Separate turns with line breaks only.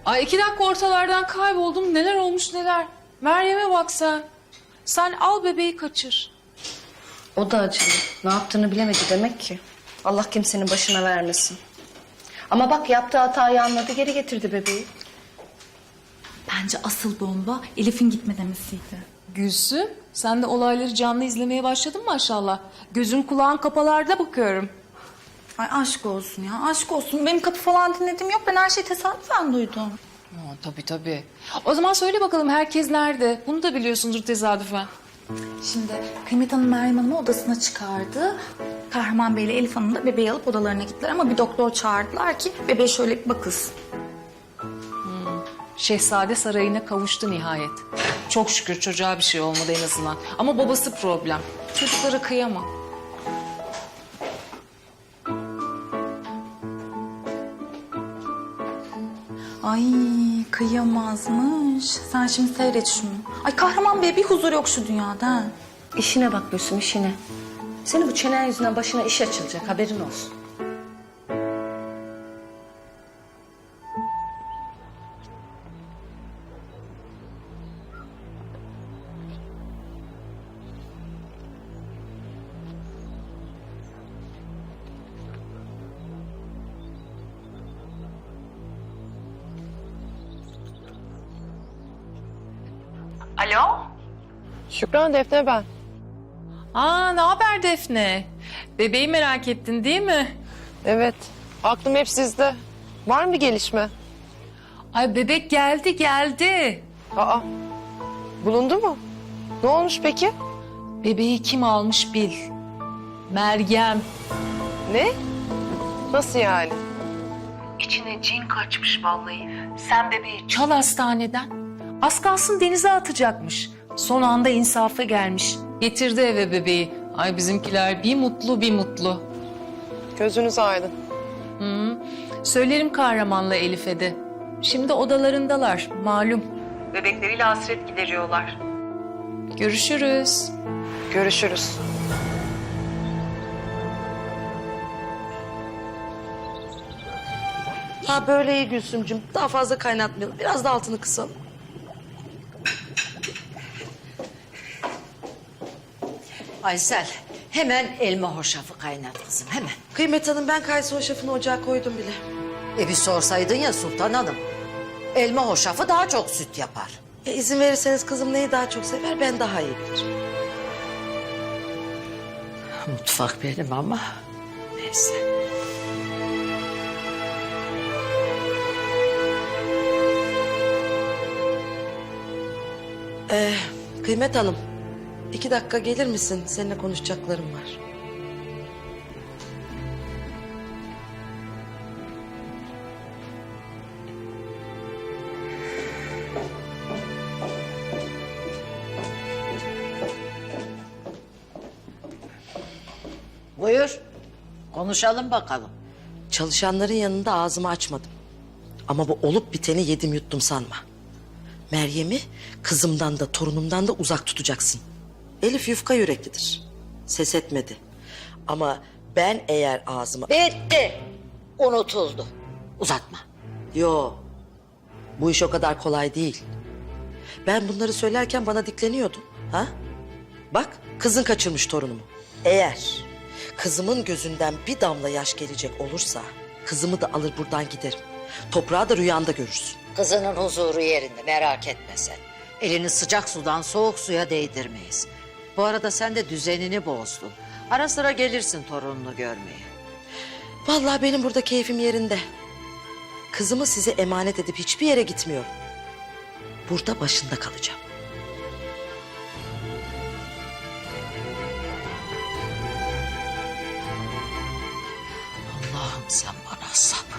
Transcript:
Ay 2 dakika ortalardan kayboldum. Neler olmuş neler. Meryem'e bak sen. Sen al bebeği kaçır.
O da acılı. Ne yaptığını bilemedi demek ki. Allah kimsenin başına vermesin. Ama bak yaptığı hatayı anladı, geri getirdi bebeği.
Bence asıl bomba Elif'in gitme demesiydi.
Gülsüm, sen de olayları canlı izlemeye başladın maşallah. Gözün kulağın kapalarda bakıyorum.
Ay aşk olsun ya, aşk olsun. Benim kapı falan dinlediğim yok. Ben her şeyi tesadüfen duydum.
Tabii. O zaman söyle bakalım herkes nerede? Bunu da biliyorsundur tesadüfen.
Şimdi Kıymet Hanım Meryem Hanım'ı odasına çıkardı. Kahraman Bey ile Elif Hanım da bebeği alıp odalarına gittiler ama bir doktor çağırdılar ki bebeğe şöyle bir bakılsın.
Şehzade sarayına kavuştu nihayet. Çok şükür çocuğa bir şey olmadı en azından. Ama babası problem. Çocuklara kıyamam.
Ay kıyamazmış. Sen şimdi seyret şunu. Ay Kahraman Bey'e bir huzur yok şu dünyada. Ha.
İşine bak Gülsüm, işine. Senin bu çenen yüzünden başına iş açılacak, haberin olsun.
Şükran, Defne ben.
Ne haber Defne? Bebeği merak ettin değil mi?
Evet, aklım hep sizde. Var mı gelişme?
Ay bebek geldi.
Aa, bulundu mu? Ne olmuş peki?
Bebeği kim almış bil. Meryem.
Ne? Nasıl yani?
İçine cin kaçmış vallahi. Sen bebeği çal hastaneden. Az kalsın denize atacakmış. Son anda insafa gelmiş. Getirdi eve bebeği. Ay bizimkiler bir mutlu.
Gözünüz aydın.
Söylerim Kahraman'la Elif'e de. Şimdi odalarındalar malum. Bebekleriyle hasret gideriyorlar. Görüşürüz.
Görüşürüz.
Ha böyle iyi Gülsümcüm. Daha fazla kaynatmayalım. Biraz da altını kısalım.
Aysel, hemen elma hoşafı kaynat kızım, hemen.
Kıymet Hanım, ben kayısı hoşafını ocağa koydum bile.
Bir sorsaydın ya Sultan Hanım. Elma hoşafı daha çok süt yapar.
İzin verirseniz kızım neyi daha çok sever, ben daha iyi bilirim.
Mutfak benim ama neyse.
Kıymet Hanım, 2 dakika gelir misin? Seninle konuşacaklarım var.
Buyur, konuşalım bakalım.
Çalışanların yanında ağzımı açmadım. Ama bu olup biteni yedim yuttum sanma. Meryem'i kızımdan da torunumdan da uzak tutacaksın. Elif yufka yüreklidir. Ses etmedi. Ama ben eğer ağzımı...
Bitti, unutuldu. Uzatma.
Yo, bu iş o kadar kolay değil. Ben bunları söylerken bana dikleniyordun. Ha? Bak, kızın kaçırmış torunumu. Eğer kızımın gözünden bir damla yaş gelecek olursa... ...kızımı da alır buradan giderim. Toprağı da rüyanda görürsün.
Kızının huzuru yerinde, merak etme sen. Elini sıcak sudan soğuk suya değdirmeyiz. Bu arada sen de düzenini bozdun. Ara sıra gelirsin torununu görmeye.
Vallahi benim burada keyfim yerinde. Kızımı size emanet edip hiçbir yere gitmiyorum. Burada başında kalacağım.
Allah'ım sen bana sabır